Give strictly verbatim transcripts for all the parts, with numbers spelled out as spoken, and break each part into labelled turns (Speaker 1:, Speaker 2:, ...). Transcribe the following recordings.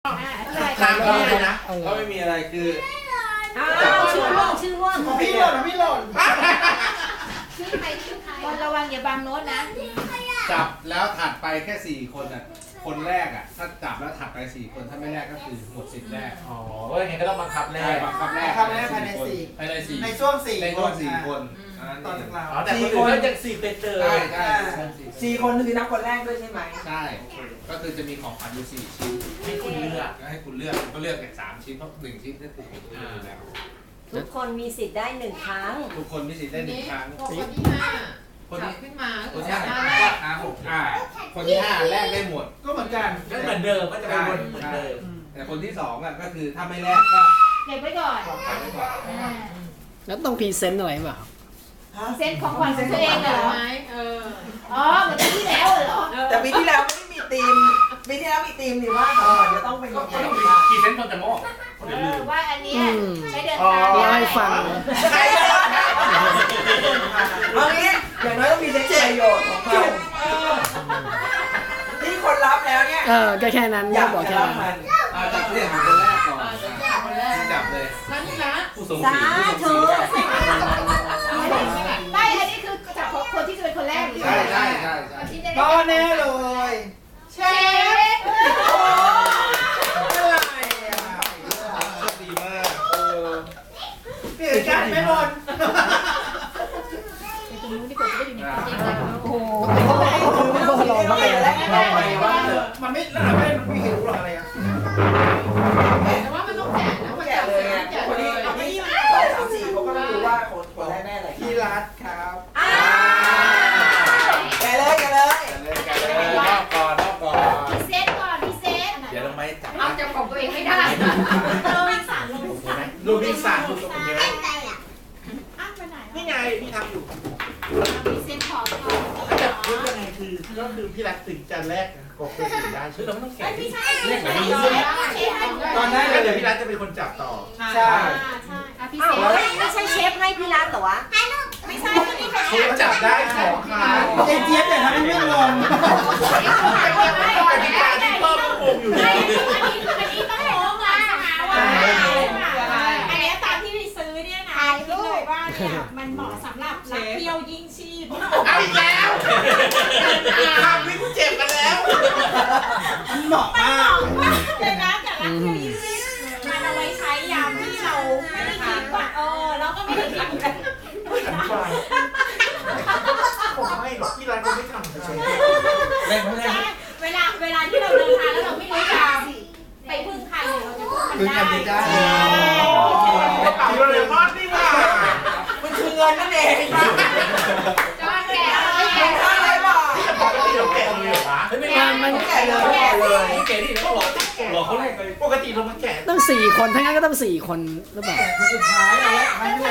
Speaker 1: ทางเขาเลยนะเขาไม่มีอะไรคือ
Speaker 2: ชื่อร่วงชื่อร่วง
Speaker 3: พี่หล่นพี่หล่น
Speaker 2: ชื่อใครชื่อใครคนระวังอย่าบังโน้ตนะ
Speaker 1: จับแล้วถัดไปแค่สี่คนอ่ะคนแรกอ่ะถ้าจับแล้วถัดไปสี่คนถ้าไม่แรกก็คือหมดสิทธิ์แรก
Speaker 4: อ๋อเฮ้ยงั้นก็ต้องบังคับแรก
Speaker 1: บังคับแรก
Speaker 3: บังคับแรกภายในสี่
Speaker 1: ภายในสี่
Speaker 3: ในช่วงสี่
Speaker 1: ในช่วงสี่คน
Speaker 3: ต่อจากเรา
Speaker 4: แต่คนอื่นก็ยังสี่เป็นเจอ
Speaker 1: ใช่ใช่
Speaker 3: สี่คนคือนับคนแรกด้วยใช่ไหม
Speaker 1: ใช่ก็คือจะมีของขวัญอยู่สี่ชิ้น
Speaker 4: ให้คุณเลือก
Speaker 1: ให้คุณเลือกก็เลือกแค่สามชิ้นเพราะหนึ่งชิ้นได้ถูกแล้ว
Speaker 2: ทุกคนมีสิทธิ์ได้หนึ่งครั้ง
Speaker 1: ทุกคนมีสิทธิ์ได้หนึ่งครั้ง
Speaker 5: คนที่ห้า
Speaker 1: คนที่
Speaker 5: ขึ้นมา
Speaker 1: คนที่ห้าห้าหกอ่าคนที่ห้าแรกได้หมด
Speaker 3: ก็เหมือนกัน
Speaker 4: ก็เหมือนเดิมก็จะเป็นวนเหมือนเดิม
Speaker 1: แต่คนที่สองอ่ะก็คือถ้าไม่แรกก็
Speaker 2: เก็บไว้ก่อน
Speaker 6: แล้วต้องพรีเซนต์อะไรเปล่า
Speaker 2: เซนของขวัญของตัวเองเหรอ
Speaker 5: เออ
Speaker 2: อ๋อเหมือนที่แล้วเหรอ
Speaker 3: แต่ปีที่แล้วไม่มีธีมปีที่แล้วมีธีมหรือว่าเดี๋ยวต้องเป็นยังไง
Speaker 4: พรีเซนต์คนจะมอบ
Speaker 2: เออว่าอันนี้ใช้เดินทาง
Speaker 6: ได้ให้ฟัง
Speaker 3: ใช่เอางี้อย่างน้อยต้องมีประโยชน์ของเราที่คนรับแล้วเนี่ย
Speaker 6: เออก็แค่นั้นอยากบอกแค่นั้น
Speaker 1: จับเรื่องของคนแรกก่อนจับเลย
Speaker 5: ฉันนะ
Speaker 1: ผู้ทรงศีลผู้ทรงศีล
Speaker 2: ไม่อันนี้คือจับคนที่จะเป็นคนแรก
Speaker 1: ใช่ใช่ใช่
Speaker 3: ก็แน่เลย
Speaker 2: เชฟ
Speaker 3: อะไรอ่ะ
Speaker 1: ดีมากเออ
Speaker 3: เปลี่ยนกันไม่หมด
Speaker 2: ตรงนู้นดีกว่าจะได้อยู่ในความจริงกันโอ้โห
Speaker 3: ไม่ต้องรอมาแล้วเราไปว่ามันไม่แล้วไม่ไม่เห็นรู้หรอกอะไรอ่ะ
Speaker 5: แต่ว่ามันต้องแกะนะมันแกะ
Speaker 3: เลยไงคนนี้คนนี้สองสามสี่เขาก็ไม่รู้ว่าคนคนแรกแน่เลยพี่รัฐครับแกเลยแกเลย
Speaker 1: แกเลยรอบก่อนรอบก่อน
Speaker 2: พี่เซตก่อนพี่เซต
Speaker 1: เดี๋ยวลงไปจับ
Speaker 2: เอาจับของตัวเองไม่ได้โรบินสันโรบินสัน
Speaker 4: ลูกบินสันลูกตรงนี้นี่ไงพี่ทำอยู่
Speaker 2: พี่เซตขอก่อน
Speaker 4: แต่พูดยังไงคือก็คือพี่รักถึงจะแรกกบเป็นสิ่งได้ชื่อเราไม่ต้องแข่งแรกแบบนี้
Speaker 3: ตอนนั้น
Speaker 4: เดี๋ยวพี่รักจะเป็นคนจับต่อ
Speaker 3: ใช่
Speaker 2: ใช่พี่เซตไม่ใช่เชฟให้พี่รักเหรอวะไม่ใช่
Speaker 4: เชฟจับได้ของคาว
Speaker 3: เจี๊ยบเนี่ยทำให้ไม่งง
Speaker 4: กติกาที่เพิ่มงงอยู่
Speaker 2: อันนี้อันนี้ต้องงงอ่ะอันนี้ตามที่ซื้อเนี่ยนะคิดเลยว่าเนี่ยมันเหมาะสำหรับนักเที่ยวยิ่งชีพ
Speaker 4: เอาอีกแล้วทำวิ่งเจ็บกันแล้ว
Speaker 3: เหมาะมาก
Speaker 2: เลยนะแต่นักเที่ยวยิ่งชีพมันเอาไว้ใช้ยามที่เราไม่ได้คิดว่าเออเราก็ไม่ได้คิดกัน
Speaker 4: ผมไม่หรอกพี่รักก็ไม่ทำเฉยๆ
Speaker 2: เวลาเวลาที่เราเดินทางแล้วเราไม่รู้จะไปพึ่งใครเราจะพึ่งมันได้
Speaker 4: พี่เราเลยพอดนี่ว่า
Speaker 3: มันคือเงินนั่นเอง
Speaker 2: จอนแก่
Speaker 3: แก่อะไรบ้าง
Speaker 4: ปกติเราแก่เลยเหรอวะ
Speaker 6: มันมัน
Speaker 3: แก่เลยแก่เลย
Speaker 4: แก่ที่เขาบอกหลอกเขาเลยปกติเรามาแก่
Speaker 6: ต้องสี่คนทั้งนั้นก็ต้องสี่คนหรือเปล่า
Speaker 3: คนสุดท้ายเลยไม่เลย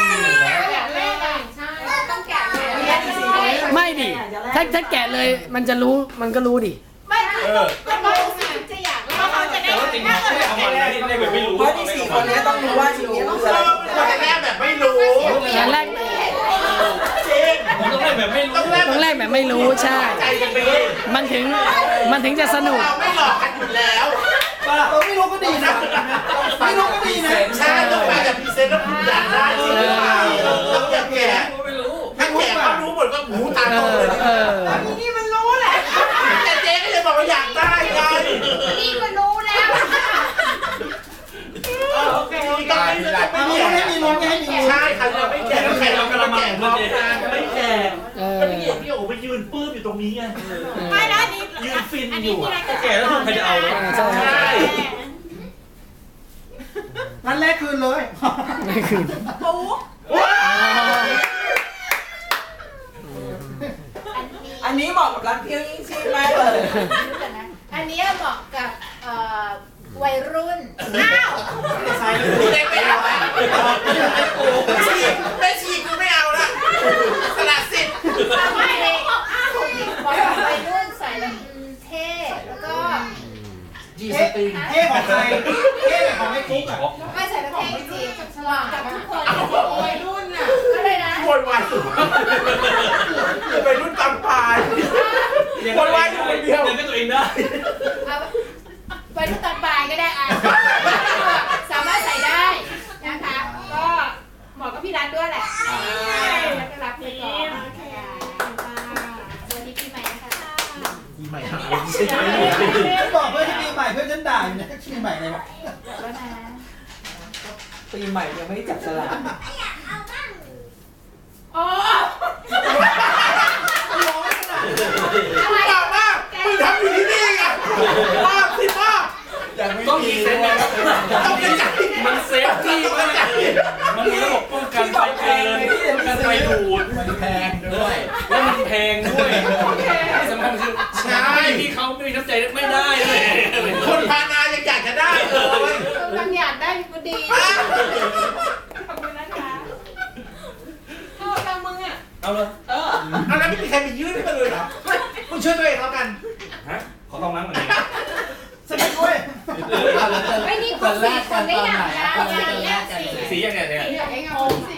Speaker 6: ไม่ดิถ้าถ้าแกะเลยมันจะรู้มันก็รู้ดิ
Speaker 2: ไม่คือมันรู้สึกจะอยากแล้วเขาจะได้ถ้าเกิด
Speaker 4: เอามาเล่นแบบไม่รู้
Speaker 3: เพราะที่สี่คนนี้ต้องรู้ว่าชีวิตต้อง
Speaker 4: เราต้องแรกแบบไม่รู้
Speaker 6: อย่างแรก
Speaker 4: จริงต้องแรกแบบไม่รู้
Speaker 6: ต้องแรกแบบไม่รู้ใช่มันถึงมันถึงจะสนุก
Speaker 4: เราไม่หลอกกันอยู่แล้ว
Speaker 3: เราไม่รู้ก็ดีนะไม่รู้ก็ดีนะ
Speaker 4: ใช่ต้องไปแบบพรีเซนต์แล้วคุณอยากได้จริงหรือเปล่าต้องอยากแก่ไม่รู้ถ้าแก่ก็รู้หมดก็หูตาโตเลย
Speaker 3: อันนี้นี่มันรู้แหละ
Speaker 4: แต่เจ๊ก็ยังบอกว่าอยากได้ไง
Speaker 2: นี่ก็รู้แล้ว
Speaker 4: โอเคต้องไม่ได้ไม่
Speaker 3: รู้ให้มีลุ้นให้มี
Speaker 4: ใช่ใครเราไม่แก่ใครเรากำลังแก่พร้อมกันไม่แก่ก็นี่พี่โอ๋ไปยืนปื้มอยู่ตรงนี้ไง
Speaker 2: ไม่นะนี่
Speaker 4: ยืนฟินอยู่แก่แล้วถูกใครจะเอาใช่
Speaker 3: นั่นแรกคืนเลย
Speaker 6: ไม่คืน
Speaker 2: ปุ๊บ
Speaker 3: อันนี้เหมาะกับร้านเที่ยวยิ่งชีพมากเลย
Speaker 2: อันนี้เหมาะกับวัยรุ่นอ้าว
Speaker 4: ใช่ไม่ไม่เอาไม่ฉีกไม่ฉีกกูไม่เอาละสละสิทธิ์
Speaker 2: ไม่เลยอ้าวบอกวัยรุ่นใส่แล้วเท่แล้วก็
Speaker 4: จีสติง
Speaker 3: เท่ของใครเท่ของไอ้กุ๊กอ่ะ
Speaker 2: ไม่ใส่แล้วเท่จริงกับกับทุกคนวัยรุ่นอ่ะก็
Speaker 4: เลยนะโวยวายสุดวัยรุ่นตำปายโวยวายอยู่คนเดียวเลี้ยงตัวเองได้
Speaker 2: วัยรุ่นตอนบ่ายไง
Speaker 3: ใหม่เลยบอก
Speaker 2: แล้วนะ
Speaker 3: ปีใหม่ยังไม่ได้จับสลาก
Speaker 2: โอ้
Speaker 4: มึงบอกว่ามึงทำอยู่ที่นี่ไงภาพสิภาพ
Speaker 3: ยังไม่
Speaker 7: ต้อง
Speaker 3: มี
Speaker 7: มีเซนต์นะ
Speaker 4: ต้องกระจาย
Speaker 7: มันเซฟตี้มากมันมีระบบป้องกันไฟเกินป้องกันไฟดูด
Speaker 3: มันแพงด้วย
Speaker 7: แล้วมันแพงด้วยที่สำคัญคือ
Speaker 4: ใช่
Speaker 7: ไม่มีเขาไม่มีน้ำใจไม่ได้เลย
Speaker 4: คนพานายังอยากจะได้เลย
Speaker 5: บางอย่างได้ก็ดี
Speaker 2: ขอบคุณนะคะ
Speaker 5: เท่ากับมึงอ่ะ
Speaker 7: เอาเลย
Speaker 5: เออ
Speaker 4: อันนั้นไม่มีใครไปยื่นให้มันเลยเหรอมึงช่วยตัวเองแล้วกัน
Speaker 7: ฮะขอต้องน้ำหน่อย
Speaker 3: สนิทด้วย
Speaker 2: ไม่นี่คนสี่คนได้อย่างไรอ่ะ
Speaker 7: สีอย่างเนี้ยเนี่ย
Speaker 5: อยากให้งงสิ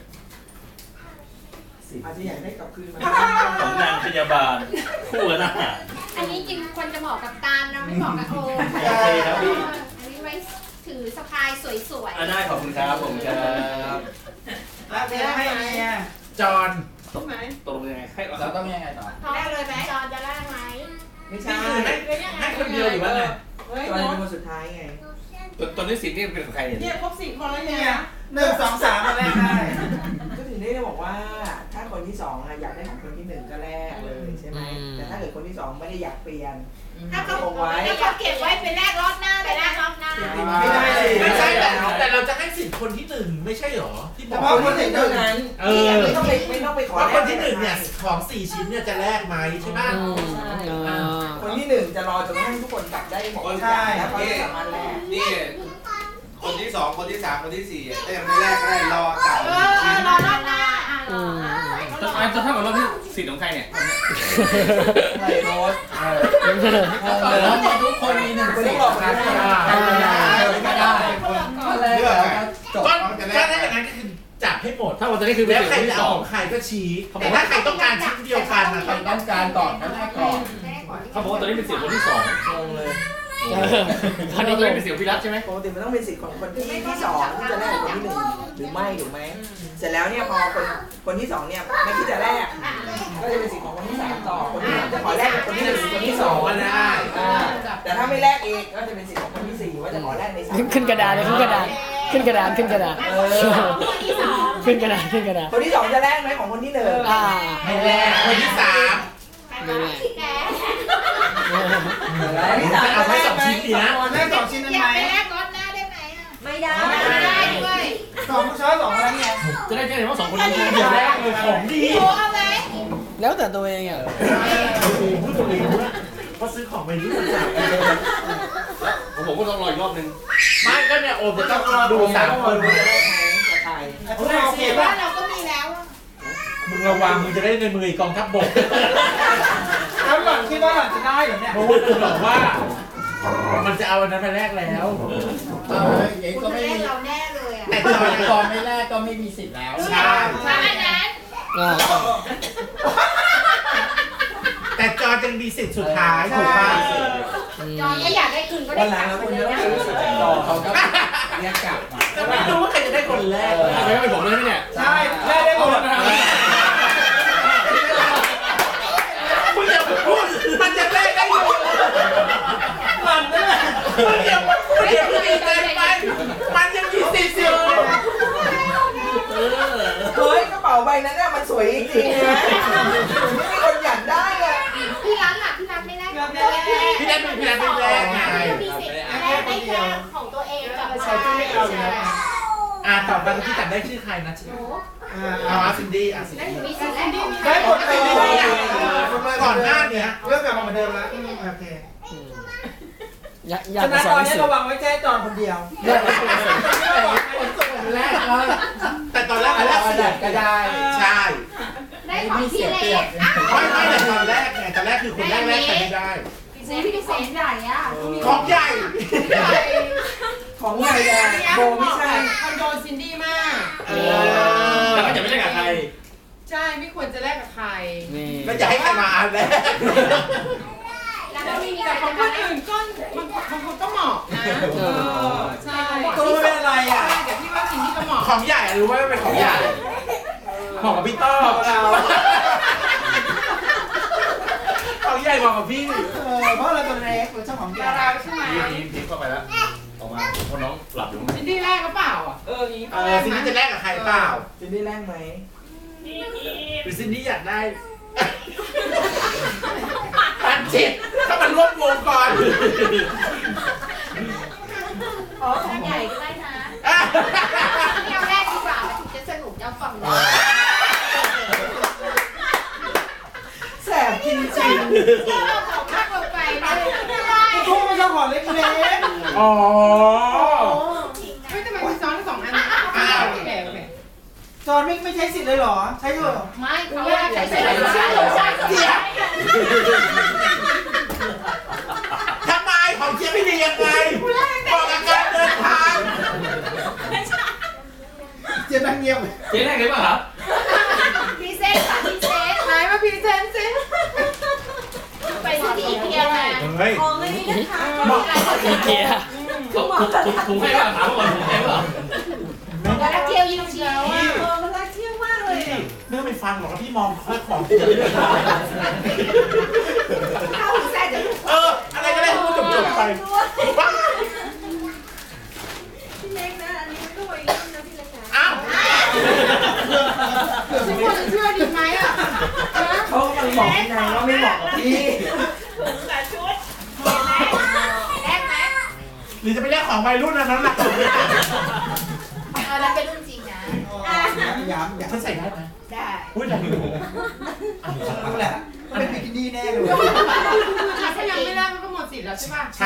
Speaker 3: อาจจะอยากได้กลับคืนมา
Speaker 7: ของนางพยาบาลคู่กับทหาร
Speaker 2: อันนี้จริงควรจะเหมาะกับตาลนะไม่เหมาะกับโอม
Speaker 7: โอเคครับพี่
Speaker 2: อันนี้ไว้ถือสะพายสวย
Speaker 7: อ่ะได้ขอบคุณครับผมครับ
Speaker 3: แล้วเมียให้เมีย
Speaker 4: จอน
Speaker 5: ใช่ไหม
Speaker 7: ตกลงยังไงให้
Speaker 3: เราต้องยังไงต่อ
Speaker 2: ๆแรกเลยไหมจอนจะแรกไหม
Speaker 3: ไม่ใช่
Speaker 4: นี่คือให้ให้คนเดียวหรือว่าไง
Speaker 5: เฮ้ย
Speaker 3: ตอน
Speaker 5: น้อง
Speaker 3: เป็นคนสุดท้ายไง
Speaker 7: ตัวตัวนี้สินี่เป็นของใครเนี่ย
Speaker 5: เนี่ยครบสี่คนแล้ว
Speaker 3: เนี่
Speaker 5: เนี่ย ย
Speaker 3: หนึ่งสองสามมาแรกได้
Speaker 8: ก็ถึงได้บอกว่าถ้าคนที่สองอะอยากได้ของคนที่หนึ่งก็แลกเลยใช่ไหมแต่ถ้าเกิดคนที่สองไม่ได้อยากเปลี่ยน
Speaker 2: ถ้าเขาถ้าเขาเก็บไว้เป็นแรกรอบหน้าไปแรกรอบหน้า
Speaker 3: ไม่ได้เลย
Speaker 4: ไม่ใช่แต่แต่เราจะให้สิทธิ์คนที่หนึ่งไม่ใช่หรอที่บ
Speaker 3: เฉ
Speaker 4: อก
Speaker 3: พาะคนหนึ่งเท่านั้น
Speaker 4: เออ
Speaker 8: ไม่ต้องไปไม่ต้องไปขอ
Speaker 4: ว่า
Speaker 8: แลก
Speaker 4: คนที่หนึ่งเนี่ยของสี่ชิ้นเนี่ยจะแลกไหมใช่ไหม
Speaker 8: คนที่หนึ่งจะรอจนกระทั่งทุกคนกลับได้หมดทุกอย่างแล้วเขาจะสามารถแลก
Speaker 1: นี่คนที่สองคนที่สามคนที่สี่ถ้ายังไม่แรกก็ได้รอจ่าย
Speaker 2: เออรอรอบหน้าอ่ะรออ่ะ
Speaker 7: จะจะเท่ากับรอบที่สิทธิ์ของใครเนี่ย
Speaker 3: ไม่โน้ตแล้วทุกคนมีหนึ่งสิทธิ์นะครับไม่ได้คนแรกแล้วจบ
Speaker 4: ก็ถ้าได้อย่างนั้นก็คือจับให้หมด
Speaker 7: ถ้าวันนี้คือเป็น
Speaker 4: แล้ว
Speaker 7: สิท
Speaker 4: ใคร
Speaker 7: ธิ์ที่
Speaker 4: จะ
Speaker 7: ส
Speaker 4: เอา
Speaker 7: อ
Speaker 4: ของ งใครก็ชี้แต่ถ้าใครต้องการชิ้นเดียวกันนะ
Speaker 3: ใครต้องการก่อนก็ได้ก่อน
Speaker 7: เขาบอกว่าตอนนี้เป็นสิทธิ์คนที่สอง
Speaker 3: งงเลย
Speaker 7: ตอนนี้เป็นสิทธิ์พิรัตใช่ไหม
Speaker 8: ปกติมันต้องเป็นสิทธิ์ของคนที่ที่สองที่จะแลกกับคนที่หนึ่งหรือไม่ถูกไหมเสร็จแล้วเนี่ยพอคนคนที่สองเนี่ยไม่คิดจะแลกก็จะเป็นสิทธิ์ของคนที่สามต่อคนที่สามจะขอแลกกับคนที่หนึ่งหรือคนที่สอง
Speaker 4: ก็ได้
Speaker 8: แต่ถ้าไม่แลกเองก็จะเป็นสิทธิ์ของคนที่สี่ว่าจะขอแลกในสาม
Speaker 6: ขึ้นกระดานเลยขึ้นกระดานขึ้นกระดานขึ้นกระดาน
Speaker 8: เออ
Speaker 2: คนที่สอง
Speaker 6: ขึ้นกระดานขึ้นกระดาน
Speaker 8: คนที่สองจะแลกไหมของคนที่หนึ่ง
Speaker 6: อ่า
Speaker 4: ไม่แลกคนที่สาม
Speaker 2: แก
Speaker 8: คนที่สาม
Speaker 4: จะเอาไว้สองชิ้นดีนะ
Speaker 3: แรกสองชิ้นนั้น
Speaker 2: อยา
Speaker 3: ไหม
Speaker 2: กไปแรกรอบหน้าได้ไหมอ่ะไม่ได้
Speaker 3: ไม่ได้
Speaker 2: ด้วย
Speaker 3: สองช้อยสองอะไรเนี่ย
Speaker 7: จะได้แค่เห็นว่าสองคนนี้
Speaker 4: เดี๋ยวแรกเลยของดี
Speaker 2: โอ้เอาไหม
Speaker 6: แล้วแต่ตัวเองอ่ะ
Speaker 4: พูดตรงนี้เพราะซื้อของไปนี่จับ
Speaker 7: ผมก็ต้องรออีกรอบนึง
Speaker 4: ไม่ก็เนี่ยโอมจะต้องดูสามคน
Speaker 8: จะแลกไหมจะใคร
Speaker 3: พวกเราโอเค
Speaker 2: บ้า
Speaker 3: ป่ะ
Speaker 2: นเราก็มีแล้วอ่ะ
Speaker 4: มึงระวังมึงจะได้ในมือกองทัพบก
Speaker 3: แล้วหล่อนคิดว่าหล่อนจะได้เหรอเนี่ย
Speaker 4: เพราะว่าคุณบอกว่า มันจะเอาอันนั้นไปแลกแล้ว
Speaker 3: เอออย่าง
Speaker 2: คุณ
Speaker 3: ก็
Speaker 2: จะ
Speaker 3: ไม่
Speaker 2: เล่น
Speaker 3: มี
Speaker 2: เราแน่เลยอ่ะ
Speaker 4: แต่จอย
Speaker 3: กองไม่แรกก็ไม่มีสิทธิ์แล้ว
Speaker 4: ใช่
Speaker 2: มาอันนั้น
Speaker 6: อ่า
Speaker 4: แต่จอยยังมีสิทธิ์สุดท้ายถูกป่ะ
Speaker 2: จอนก็อยากได้คืนก็ได้
Speaker 8: วันหลังเราควรจะต้องซื้อสิทธิ์จากต่อ
Speaker 3: เขาก็เรียกกลับมา
Speaker 4: จะไม่รู้ว่าใครจะได้คนแรก
Speaker 7: ไม่เป็นผมเลยเนี่ย
Speaker 3: ใช่ได้ได้หมด
Speaker 4: มึงอย่าพูดมันจะแลกได้อยู่
Speaker 3: มันนั่นแหละ
Speaker 4: มึงอย่าพูดอย่าพูดดีใจไปมันยังมีสิทธิ์อยู่
Speaker 8: เฮ้ยกระเป๋าใบนั้นน่ะมันสวยจริงๆนะไม่มีคนอยากได้อะ
Speaker 2: พี่รักอ่ะพี่รักไม่ได้
Speaker 4: พี่แดนเป็นพี่แดนเป็นแรกไง
Speaker 2: มีสิทธิ์แรกได้แค่ของตัวเองกับ
Speaker 3: ใช่ที่ไม่เอาอยู่แล้ว
Speaker 4: อ่าต่อไปพี่จำได้ชื่อใครนะชื่อเอาอาซินดี้อาซินดี้
Speaker 2: มีสิทธิ์แรกของ
Speaker 3: ได้หมดเลย
Speaker 4: ก่อนหน้าเนี้ย
Speaker 3: เรื่องกลับมาเหมือนเดิมแล้วโอเค
Speaker 6: อยากอยา
Speaker 3: ฉะ
Speaker 6: ก
Speaker 3: นั้น
Speaker 6: ส
Speaker 3: ต
Speaker 6: อ
Speaker 3: อน น
Speaker 6: หนัง
Speaker 3: นี้
Speaker 6: สือ
Speaker 3: ระวังไว้แค่จอนคนเดียว
Speaker 4: แรกแต่ตอนแรกอันแรกเสีย
Speaker 3: ก็ได้
Speaker 4: ใช่
Speaker 2: ได้ของพี่เล็ก
Speaker 4: ไม่ไม่แต่ตอนแรกไงตอนแรกคือคนแรกแรกใครไม่ได้
Speaker 2: เซนพี่เซนใหญ่อ่ะ
Speaker 4: ของใหญ่
Speaker 8: ของใหญ่อะโบไม่ใช่
Speaker 5: คอนโดซินดี้มาก
Speaker 4: เออ
Speaker 7: แล้วก็จะไม่ได้กับใคร
Speaker 5: ใช่ไม่ควรจะแลกกับใคร
Speaker 6: นี่
Speaker 4: แล้วจะให้ใครมาอันแรก
Speaker 2: แล้วก็มี
Speaker 5: แต่ของคนอื่นก็บางบางคนก็เหมาะนะเออใช่
Speaker 3: ตัวเป็นอะไรอ่ะ
Speaker 5: แต่พี่ว่าซินดี้ก็เหมาะ
Speaker 4: ของใหญ่รู้ว่าเป็นของใหญ่เหมาะกับพี่ต้อ
Speaker 3: เรา
Speaker 4: ของใหญ่เหมาะกับพี่
Speaker 3: เออเพราะเราตัวเล็กเราเจ้าของใหญ่
Speaker 5: เราใช่ไหม
Speaker 7: ทีมทีมเข้าไปแล้ว
Speaker 2: เ
Speaker 7: คนน้องหลับอยู่
Speaker 5: ซินดี้แรกก็เปล่าอ่ะ
Speaker 8: เออนี้
Speaker 4: เออซินดี้จะแลกกับใครเปล่า
Speaker 8: ซินดี้แรกไหม
Speaker 4: หรือซินดี้อยากได้ปันจิตถ้ามันร่วมวงก่อน
Speaker 2: อ๋อของใหญ่ก็ได้นะ
Speaker 5: เที่ยวแรกดีกว่าถึงจะสนุกจะฟังเลย
Speaker 8: แสบจริงจริง
Speaker 5: เอาของมากลงไปเลยไม่ได้
Speaker 8: ๆทุ่งไม่ชอบของเล็ก
Speaker 4: อ๋อ
Speaker 5: เฮ้ยทำไมมีซ้อนสองอันโอเคโอเค
Speaker 8: ๆจอนไม่ไม่ใช้สิทธิ์เลยเหรอ ใช้เถอะ
Speaker 5: ไม่เขาแรกใช้ใช้ใช้ใช้ใช้
Speaker 4: เจี๊ยบทำไมของเจี๊ยบไม่ดียังไงบอกอาการเดินทาง
Speaker 8: เจ๊นั่งเงียบ
Speaker 7: เจ๊ได้ไงบ้างครับ
Speaker 2: พีเซนค่ะพีเซน
Speaker 5: ไหนมาพรีเซนต์สิ
Speaker 2: ไปซื้อที่อีเกียมา
Speaker 4: เฮ้ย
Speaker 2: ของอันนี้นะคะ
Speaker 4: เหมาะ
Speaker 6: อีเกีย
Speaker 7: ถุงถุงถุงให้ป่ะถามก่อนถุงให้ป่ะ
Speaker 2: แล้วนักเที่ยวยิ่งเชียวอ่ะเออมันรักเที่ยวมากเลย
Speaker 4: ไม่ต้องไปฟังหรอกพี่มองค่อยของ
Speaker 2: เข้าแซ่จะลูก
Speaker 4: เอออะไรก็ได้พูดจบๆไปว้า
Speaker 2: พี่เล็กนะอันนี้ไม่ต้องไว้รุ่นนะพี่เล็กนะ
Speaker 4: อ้าว
Speaker 5: ฉันควรจะเชื่อดีไหมอ่ะ
Speaker 8: เขากำลังบอกพี่นายว่าไม่เหมาะกับพี่
Speaker 2: ถุงกับชุดเห็นไหมแรกไหม
Speaker 4: หรือจะไปเรียกของวัยรุ่นนั้นหนักสุดเลย
Speaker 2: เออแล้วเป็นรุ่นจริงนะ
Speaker 8: ย้ำย้ำ
Speaker 4: ฉันใส่ได้ไหม
Speaker 2: ได้
Speaker 4: พูดได้อยู่
Speaker 8: นั่นแหละเป็นบิกินี่แน่เลย
Speaker 5: ถ้ายังไม่แรกมันก็หมดสิทธิ์แล้วใช่ป่ะ
Speaker 4: ใช่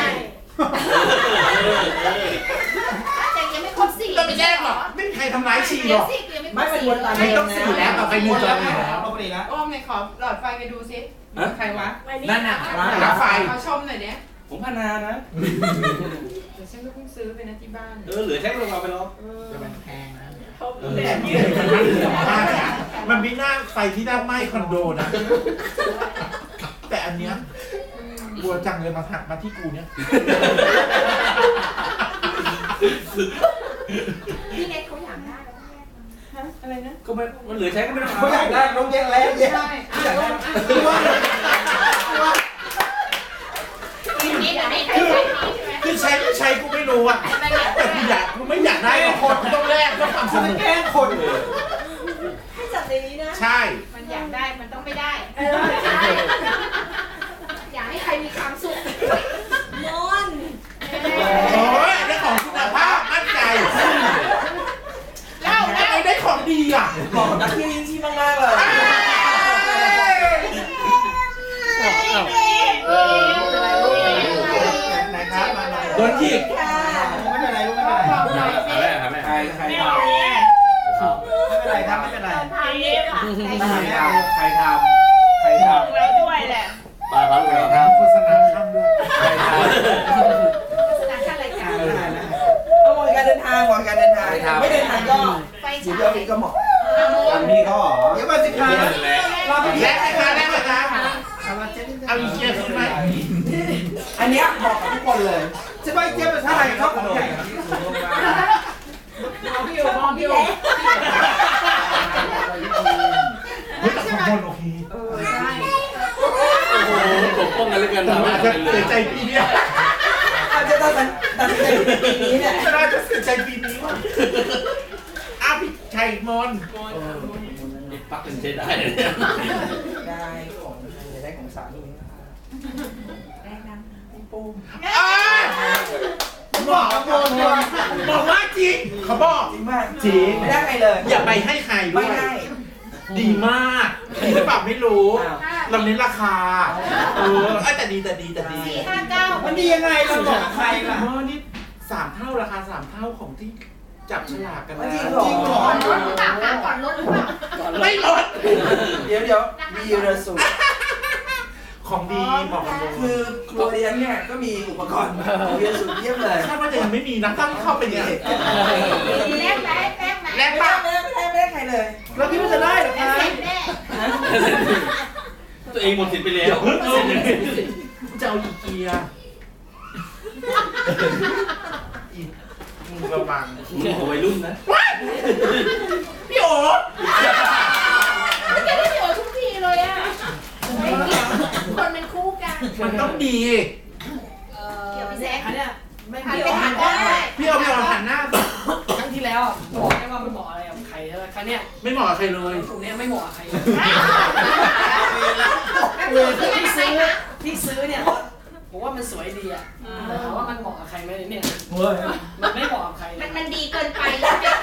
Speaker 2: แต่ยังไม่ครบสี่
Speaker 4: เราไปแยกหรอกไม่มีใครทำร้ายชีห
Speaker 2: เดี๋
Speaker 4: ร
Speaker 2: ยว
Speaker 4: อก
Speaker 2: สิยังไม่คร
Speaker 8: ไม่
Speaker 2: บ
Speaker 8: เป็น
Speaker 2: สี่
Speaker 8: วนตาม
Speaker 4: ไม่ต้องสี่แล้วต่อไปหนึ่งจอแล้ว
Speaker 8: ปกติแล้ว
Speaker 5: โอ้มในขอหลอดไฟไปดูสิใครวะ
Speaker 4: นั่นน่ะร้านไฟ
Speaker 5: เขาชมหน่อยเนี้ย
Speaker 7: ผมพนานะ
Speaker 5: เดี๋ยวฉันก็เพิ่งซื้อไปนะที่บ้าน
Speaker 7: เออเหลือแค่ลงมาไปแล้ว
Speaker 4: แต่มันแพงนะแต่ที่มันเหลือมากนะมันไม่น่าไฟที่หน้าไหม้คอนโดนะ แต่อันเนี้ยบัวจังเลยมาถักมาที่กูเนี่ย
Speaker 2: พี่เล็กเขาอยากได้แล้ว
Speaker 5: อะไรนะ
Speaker 7: ก็ไม่มันเหลือใช้ก็ไม่ต้อง
Speaker 8: เขาอยากได้น้องแยกแล้วแยก
Speaker 5: ใช่อ่ะ
Speaker 2: ทีนี้เดี๋ยวนี้ใครใช้ดีใช่ไหม
Speaker 4: คือใช้ไม่ใช้กูไม่รู้อะแต่กูอยากกูไม่อยากได้หรอกคนกูต้องแลกเพื่อความส
Speaker 8: เขา
Speaker 4: นุ
Speaker 8: จะ
Speaker 4: ก
Speaker 8: แกล้งคน
Speaker 2: ให้จับในนี้นะ
Speaker 4: ใช่
Speaker 2: มันอยากได้มันต้องไม่ได้เออใช่อยากให้ใครมีความสุขนอน
Speaker 4: โอ้ยได้ของคุณภาพมั่นใจแล้วแล้วได้ของดีอ่ะ
Speaker 8: เหมาะกับนักเที่ยวยิ่งชีพมากๆเลย ไหนครับมา
Speaker 4: โดนขีด
Speaker 8: ไม่เป็นไรลูกไม่เป็นไร
Speaker 7: หาแม่หาแม่
Speaker 8: ใครใครทำไม่เป็นไรครับไม่เป็นไร
Speaker 2: ทานเล็บอ่ะ
Speaker 8: ใครทำใครทำ
Speaker 2: แล้วด้วยแหละ
Speaker 7: ปลาครับเลย
Speaker 4: ทำโฆษณาข้ามด้วย
Speaker 8: ใครทำ
Speaker 2: โฆษณาขั้นรายการ
Speaker 8: เอาหมดการเดินทางหมดการเดินทางไม่เดินทางก็
Speaker 2: ไฟ
Speaker 8: อยู่
Speaker 2: ฉาย
Speaker 8: เดียวนี้ก็เหมาะ
Speaker 5: อ่ะ
Speaker 8: พี่เขาเหรอเดี๋ยวมาสิครับรอพี่
Speaker 4: แล
Speaker 8: แล้
Speaker 4: กไหมคะแลกไหมคะ
Speaker 8: เอา
Speaker 4: เอาอีเกียขึ้นไหม
Speaker 8: อันเนี้ยเหมาะกับทุกคนเลยใช่ไหมเจี๊ยบเป็นท่าไหนชอบของใหญ่
Speaker 5: มองพี่อยู่มองพี่อยู่
Speaker 4: เฮ้ยแต่ของบนโอเค
Speaker 5: เออใช่
Speaker 7: โอ้โหปกป้องกันเลยกัน
Speaker 4: ผมอาจจะเสียใจปีเนี้ย
Speaker 8: อาจจะตัดสินตัดสินใจปีนี้เนี่ย
Speaker 4: น่าจะเสียใจปีนี้ว่ะอ้าวพี่ชัยมน
Speaker 7: นี่ปักเป็นใช้ได้เลยเนี่ย
Speaker 8: ได้ของจะได้ของสามี
Speaker 2: แนะน
Speaker 4: อ้าวบอกบอกบอกว่าจริงเขาบอก
Speaker 8: จริงมาก
Speaker 4: จริง
Speaker 8: ไม่ได้ใครเลย
Speaker 4: อย่าไปให้ใครด้
Speaker 8: ไม่
Speaker 4: วย
Speaker 8: ได้
Speaker 4: ดีมากดีหรือเปล่าไม่รู้
Speaker 8: อ้าว
Speaker 4: เราเน้นราคา เออเอ้ยแต่ดีแต่ดีแต่ดี
Speaker 2: ำสี่ห้าเก้า
Speaker 8: มันดียังไงเราบอกกับใครล่ะ
Speaker 4: หม้อนี่สามเท่าราคาสามเท่าของที่จับฉลากกันนะ
Speaker 8: จริงเหรอ
Speaker 2: ก่อนลดหรือเปล่าคะก่อนลดหรือเปล่า
Speaker 4: ไม่ลด
Speaker 8: เดี๋ยวเดี๋ยวมีเรือสูบ
Speaker 4: ของดีบอกกันเลย
Speaker 8: คือครัวเรียนเนี่ยก็มีอุปกรณ์เรียนสูบเยี่ยมเลย
Speaker 4: ถ้าว่าจะยังไม่มีนะต้องเข้าไปเนี่ย
Speaker 2: แลกไหมแลกไหม
Speaker 4: แลก
Speaker 8: ไม่
Speaker 4: ปะ
Speaker 8: ได้ไม่ได้ไม่ได้ใครเลย เราคิดว่าจะได้หรอ
Speaker 2: แล
Speaker 8: คะ
Speaker 2: กเสร็จแน่
Speaker 7: ตัวเองหมดสิทธิ์ไปแล้
Speaker 4: เดี๋ยว วเพิ่งเอาจะเอาอีเกียอีมึงระวัง
Speaker 7: มึงของวัยรุ่นนะ
Speaker 4: พี่โอ๋
Speaker 2: ไม่ได้พี่โอทุกทีเลยอ่ะไม่เกี่ยวคนเป็นคู่กัน
Speaker 4: มันต้องดี
Speaker 2: เกี่ยวกับแซก
Speaker 5: อันเนี้ยไม่
Speaker 2: หัน
Speaker 5: เกี่ยว
Speaker 2: ไปหันได้
Speaker 4: อหันหน้า
Speaker 6: ครั้งที่แล้วอะบอกได้ว่าไม่เหมาะอะไรกับใครใช่ไหมครั้งเนี้ย
Speaker 4: ไม่เหมาะกับใครเลย
Speaker 6: ตรงเนี้ยไม่เหมาะกับใครเลยที่ซื้อที่ซื้อเนี่ยผมว่ามันสวยดีอ่ะแต่ถามว่ามันเหมาะกับใครไหมเนี่ยมันไม่เหมาะกับใครเล
Speaker 2: มั
Speaker 6: ย
Speaker 2: นมันดีเกินไปแล้วเนี่ย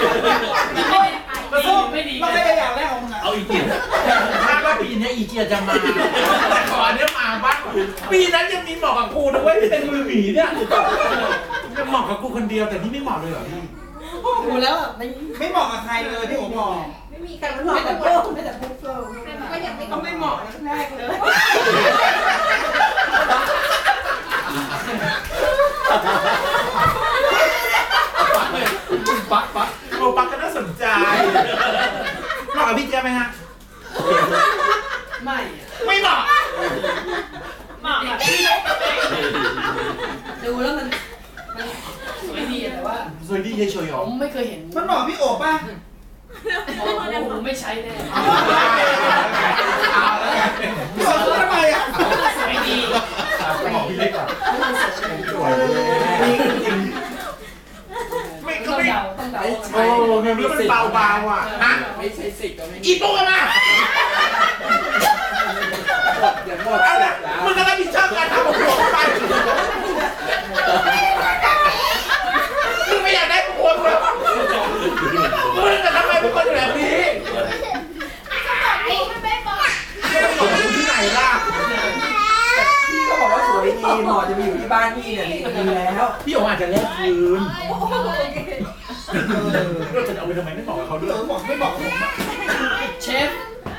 Speaker 6: ไม่ดีไม่ดี
Speaker 3: เราไม่ได้อยากแรกของมึงอะ
Speaker 7: เอาอีกที
Speaker 4: คาดว่าปีนี้อีเกียจะมาแต่ขอเนี้ยมาบ้างปีนั้นยังมีเหมาะกับกูนะเว้ยเป็นมือหมีเนี่ยจะเหมาะกับกูคนเดียวแต่นี่ไม่เหมาะเลยเหรอพี่
Speaker 6: ดูแล้วอะไม่
Speaker 3: ไม่เหมาะกับใครเลยที่ผมบอก
Speaker 2: ไม่มีใครมันเห
Speaker 6: ไม่
Speaker 2: มาะ
Speaker 6: แต่
Speaker 2: กับ
Speaker 6: เพิ่
Speaker 2: เรา
Speaker 6: มไม่แต่เพิ่มเพิ่ม
Speaker 2: มันก็ยังไม่
Speaker 5: ก็ไม่เหมาะแรกเลย
Speaker 7: ปักปัก
Speaker 4: โอปักก็น่าสนใจเหมาะกับพี่เจี๊ยบไหมฮะ
Speaker 6: ไม่อะ
Speaker 4: ไม่เหมาะ
Speaker 6: เหมาะแบบดูแล้วมันมันสวยดีอะแต่ว่า
Speaker 4: สวยดีเฉยๆหร
Speaker 6: ผ
Speaker 4: อ
Speaker 6: มไม่เคยเห็น
Speaker 3: มันเหมาะพี่โอบป่ะ
Speaker 6: โอ้โหไม่ใช้แน่
Speaker 3: พี่โอบพูดทำไมอ่ะ
Speaker 6: สวยดี
Speaker 4: บอกพี่เล็กอ่ะ
Speaker 6: มันสวยดี
Speaker 4: สวยนี่จริงไม่
Speaker 6: ต้
Speaker 4: ก็
Speaker 6: อง
Speaker 4: ไม่
Speaker 6: เดาต้องเดา
Speaker 4: โอ้เงินมันเบาเบาอ่ะฮะ
Speaker 3: ไม่ใช่สิทธิ์ก็ไม่
Speaker 4: อีตัวมา
Speaker 3: เดี๋ยวหมด
Speaker 4: เอาละมึงก็รับผิดชอบการทำของผมไปมึงไม่อยากได้กูคนเลยมึงจะทำไมเป็นคนแบบนี้
Speaker 2: นี่มันไม่บอก
Speaker 4: มึงที่ไหนล่ะ
Speaker 8: พี่ก็บอกว่าสวยดีเหมาะจะไปอยู่ที่บ้านพี่เนี่ยดีแล้ว
Speaker 4: พี่โอ๋อาจจะแลกคืนเราจะเอาไปทำไมไม่บอกกับเขาด้วย
Speaker 3: เออบอกไม่บอกกับผมอะ
Speaker 6: เชฟ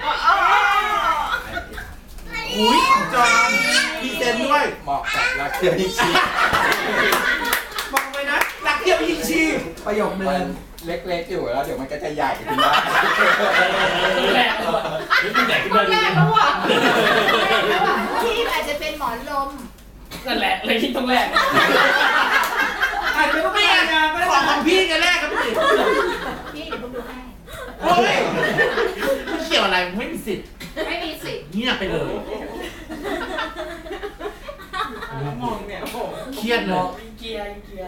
Speaker 4: อุ้ยของจอนมีเซนด้วย
Speaker 3: เหมาะกับรักเที่ยวที่ชี
Speaker 4: บอกเลยนะรักเที่ยวยิ่งชี
Speaker 8: ประโยคนึ
Speaker 3: มัน
Speaker 8: ง
Speaker 3: เล็กๆอยู่แล้วเดี๋ยวมันก็จะใหญ่ขึ้นมา
Speaker 6: แหลกเลย
Speaker 7: นี่เป็นไหนขึ้นมา
Speaker 2: แร
Speaker 7: ดู
Speaker 2: กแล้วอ่ะที่อาจจะเป็นหมอนลม
Speaker 6: นั่นแหละเลยที่ต้องแหลก
Speaker 3: อาจจะไม่ต้อง
Speaker 4: ไม่
Speaker 3: ไม่
Speaker 4: อะ
Speaker 3: งานก็ได้
Speaker 4: ของของพี่กันแรกครับพี่
Speaker 2: นี่เดี๋ยวผมดูให้
Speaker 4: โอ้ยไม่เกี่ยวอะไรไม่มีสิทธิ์
Speaker 2: ไม่มีสิทธิ์
Speaker 4: เงียบไปเลย
Speaker 3: มองเนี่ยโอ้โห
Speaker 4: เครียดเลย
Speaker 6: เกียร์เกียร์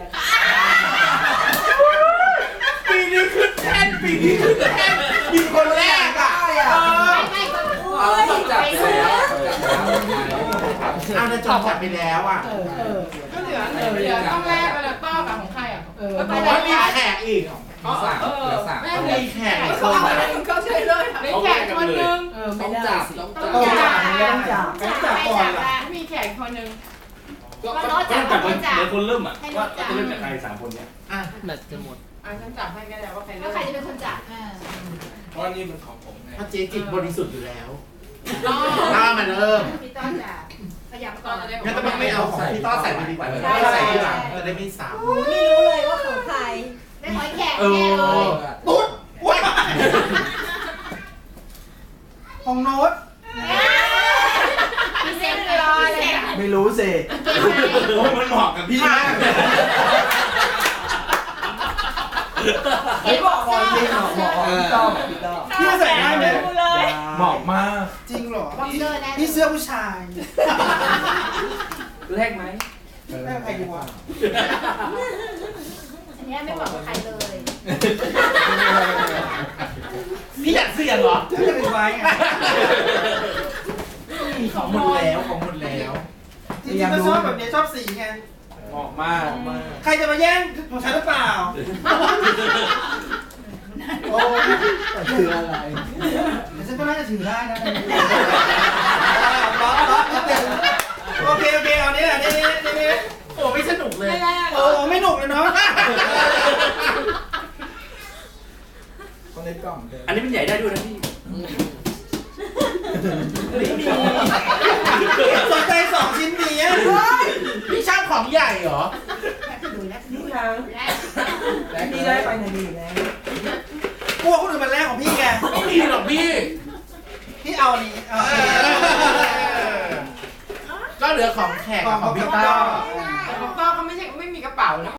Speaker 4: ปีนี้ขึ้นแท่นปีนี้ขึ้นแท่นมีคนแรกอ่ะเออ
Speaker 2: ไม่ไม่ก็พูด
Speaker 3: เอาต้องจับไปแล้ว
Speaker 4: เอาในจอจับไปแล้วอ่ะ
Speaker 6: เออเออ
Speaker 5: ก็เหลือเหลือต้องแรกไปแล้วต้อกับของใครอ่ะ
Speaker 6: เออ
Speaker 4: บอกว่ามีแขกอีก
Speaker 3: สามเหลือสาม
Speaker 4: ต้องมีแขกอีกค
Speaker 5: เขา
Speaker 4: น
Speaker 5: อะไรเขาใช่เลยมีแขกคนนึง
Speaker 6: เออ
Speaker 3: ต้
Speaker 6: ไม่
Speaker 3: อง
Speaker 6: ได้
Speaker 3: จับ
Speaker 6: สิ
Speaker 3: ต้อง
Speaker 2: ต้
Speaker 3: จั
Speaker 2: อบ งจับ
Speaker 8: ต้องจับ
Speaker 3: ต้องจับก่อนล่ะ
Speaker 5: มีแขกคนนึง
Speaker 7: ก็จับกันเดี๋ยวคนเริ่มอ่ะว่าจะเริ่มจากใครสามคนเนี้ย
Speaker 4: อ่ะ
Speaker 6: แบตจะหมด
Speaker 5: อ่ะฉันจับให้ก็ได้ว่าใคร
Speaker 2: แล้ว
Speaker 5: เริ่ม
Speaker 2: ใครจะเป็นคนจับ
Speaker 1: เพราะนี่เป็นของผมไง
Speaker 4: เพราะเจ๊จิตบริสุทธิ์อยู่แล้ว
Speaker 5: ต้อ
Speaker 4: ถ้ามันเริ่ม
Speaker 2: พี่ต้อนจับขยับ
Speaker 5: ต้
Speaker 2: ก่
Speaker 5: อ
Speaker 2: อน
Speaker 5: จะได้
Speaker 4: งั้นต้องไม่เอาของพี่ต้อใส่ไปดีกว่าเลยใส่ที่หลังจะได้ไม่ซ้ำ
Speaker 2: ไม่รู้เลยว่าของใครได้หอยแขก
Speaker 4: เอ
Speaker 2: แน่เล
Speaker 4: อย ตุ๊ดว้า
Speaker 3: ของโน้ต
Speaker 2: พี่เซ็นรอเลยอ่ะ
Speaker 8: ไม่รู้สิ
Speaker 7: โอ้มันเหมาะกับพี่มาก
Speaker 8: ไอ้บอกบอกจริงเหรอบอกพี่ต้อมพี่ต้อม
Speaker 3: พี่ใส่ได้ไหม
Speaker 4: เหมาะมาก
Speaker 3: จริงเหรอ
Speaker 2: บ็อกเซอร์แน่
Speaker 3: นี่เสื้อผู้ชาย
Speaker 6: แรกไหม
Speaker 3: แม่ใครดีกว่า
Speaker 2: อันนี้ไม่บอกใครเลย
Speaker 4: พี่อยากเสี่ยงเหรอ
Speaker 3: จะจะเป็นไว้ไง
Speaker 4: ของหมดแล้วของหมดแล้ว
Speaker 3: จริงๆก็ชอบแบบนี้ชอบสีไง
Speaker 7: เหมาะมาก
Speaker 3: ใครจะมาแย่งของฉันหรือเปล่า โอ้ถืออะไรแต่ฉันก็น่าจะถือได้นะโอเคโอเคเอานี้แหละนี่นี่นี่
Speaker 4: โอ้ไม่สนุกเลย
Speaker 3: โอ้ไม่หนุกเลยเนาะคนเล็กกล่องเดิม
Speaker 7: อันนี้มันใหญ่ได้ด้วยนะพี่
Speaker 4: ไม่มี
Speaker 3: สนใจสองชิ้นนี้
Speaker 4: พี่ชอบของใหญ่เหรอ
Speaker 8: นี่ทางพี่ได้ไปไหนดีอยู่แล้ว
Speaker 3: กลัวคนอื่นมันแรกของพี่ไง
Speaker 4: ไม่มีหรอกพี่
Speaker 3: พี่เอานี้เอา
Speaker 4: ก็เหลือของแขกกับของพี่ต้อ
Speaker 5: แต่ของต้อเขาไม่ใช่ไม่มีกระเป๋านะ